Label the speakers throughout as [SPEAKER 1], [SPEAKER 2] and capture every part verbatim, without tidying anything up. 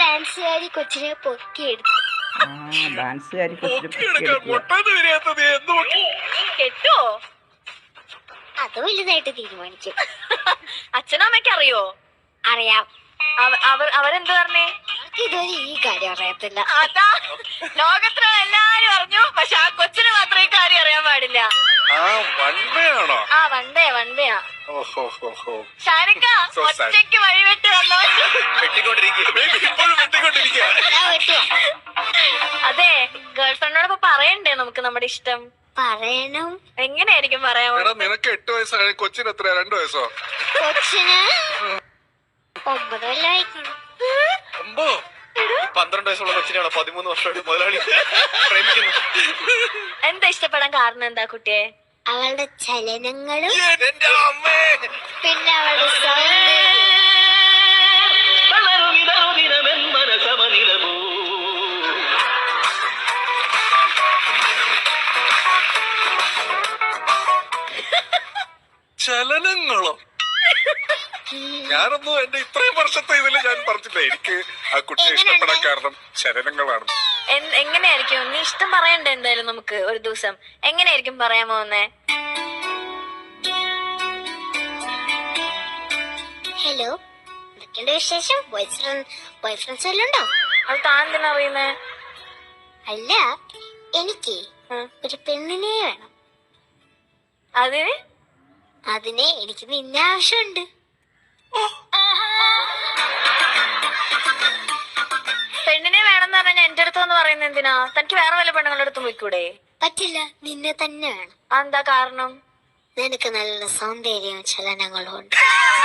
[SPEAKER 1] ഡാൻസുകാരി കൊച്ചിനെ പൊക്കിയെടുത്തു.
[SPEAKER 2] ആ ഡാൻസുകാരി കൊച്ചിനെ
[SPEAKER 3] കെട്ടോ
[SPEAKER 1] അത് വലുതായിട്ട് തീരുമാനിച്ചു.
[SPEAKER 3] അച്ഛനും അമ്മയ്ക്ക് അറിയോ?
[SPEAKER 1] അറിയാം.
[SPEAKER 3] അവർ അവരെന്ത് പറഞ്ഞേ?
[SPEAKER 1] ഇതുവരെ ഈ കാര്യം അറിയത്തില്ല.
[SPEAKER 3] അതാ ലോകത്തിലുള്ള എല്ലാരും അറിഞ്ഞു, പക്ഷെ ആ കൊച്ചിന് മാത്രം ഈ കാര്യം അറിയാൻ പാടില്ല. ആ വൺവേ വൺവേയാ. ഷാനിക്ക ഒറ്റയ്ക്ക് വഴിവിട്ട് വന്നോ? അതെ, ഗേൾഫ്രണ്ടിനോടൊപ്പം പറയണ്ടേ നമുക്ക് നമ്മുടെ ഇഷ്ടം?
[SPEAKER 1] പറയണം.
[SPEAKER 3] എങ്ങനെയായിരിക്കും പറയാമോ?
[SPEAKER 4] നിനക്ക് എട്ട് വയസ്സായ കൊച്ചിന് എത്രയാ? രണ്ടു വയസ്സോ?
[SPEAKER 1] കൊച്ചിന് ഒമ്പത് കൊല്ലായിരിക്കണം.
[SPEAKER 4] പന്ത്രണ്ട് വയസ്സുള്ള കൊച്ചിനാണോ പതിമൂന്ന് വർഷമായിട്ട് മുതലാളി പ്രേമിക്കുന്നു?
[SPEAKER 3] എന്താ ഇഷ്ടപ്പെടാൻ കാരണം എന്താ കുട്ടിയെ?
[SPEAKER 1] അവളുടെ ചലനങ്ങളും പിന്നെ അവളുടെ സൗന്ദര്യം.
[SPEAKER 4] ചലനങ്ങളോ? ഞാനൊന്നും എന്റെ ഇത്രയും വർഷത്തെ ഇതില് ഞാൻ പറഞ്ഞില്ല. എനിക്ക് ആ കുട്ടിയെ ഇഷ്ടപ്പെടാൻ കാരണം ചലനങ്ങളാണ്.
[SPEAKER 3] എങ്ങനെയായിരിക്കും നീ ഇഷ്ടം പറയണ്ടേ? എന്തായാലും നമുക്ക് ഒരു ദിവസം എങ്ങനെയായിരിക്കും പറയാൻ പോകുന്നേ?
[SPEAKER 1] ഹലോ, എന്തൊക്കെയുണ്ട് വിശേഷം? ബോയ് ഫ്രണ്ട് ബോയ് ഫ്രണ്ട്സ് വല്ലതും ഉണ്ടോ?
[SPEAKER 3] അത് താൻ എന്തിനാ അറിയുന്നേ?
[SPEAKER 1] അല്ല, എനിക്ക് ഒരു പെണ്ണിനെ വേണം.
[SPEAKER 3] അതിന്
[SPEAKER 1] അതിനെ എനിക്ക് നിന്നെ ആവശ്യമുണ്ട്.
[SPEAKER 3] പെണ്ണിനെ വേണമെന്ന് പറഞ്ഞാൽ എന്റെ അടുത്തെന്ന് പറയുന്നത് എന്തിനാ? തനിക്ക് വേറെ വല്ല പെണ്ണുങ്ങളുടെ അടുത്തും പോയിക്കൂടെ?
[SPEAKER 1] പറ്റില്ല, നിന്നെ തന്നെ വേണം.
[SPEAKER 3] എന്താ കാരണം?
[SPEAKER 1] നിനക്ക് നല്ല സൗന്ദര്യവും ചലനങ്ങളും ഉണ്ട്.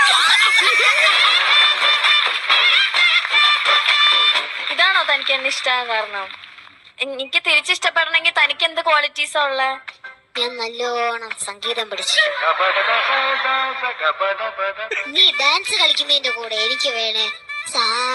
[SPEAKER 3] ഇതാണോ തനിക്ക് എന്നെ ഇഷ്ടമാകാൻ കാരണം? എനിക്ക് തിരിച്ചിഷ്ടപ്പെടണമെങ്കിൽ തനിക്ക് എന്ത് ക്വാളിറ്റീസാ ഉള്ളേ?
[SPEAKER 1] ഞാൻ നല്ലോണം സംഗീതം പഠിച്ചു. നീ ഡാൻസ് കളിക്കുന്നതിന്റെ കൂടെ എനിക്ക് വേണേ സാ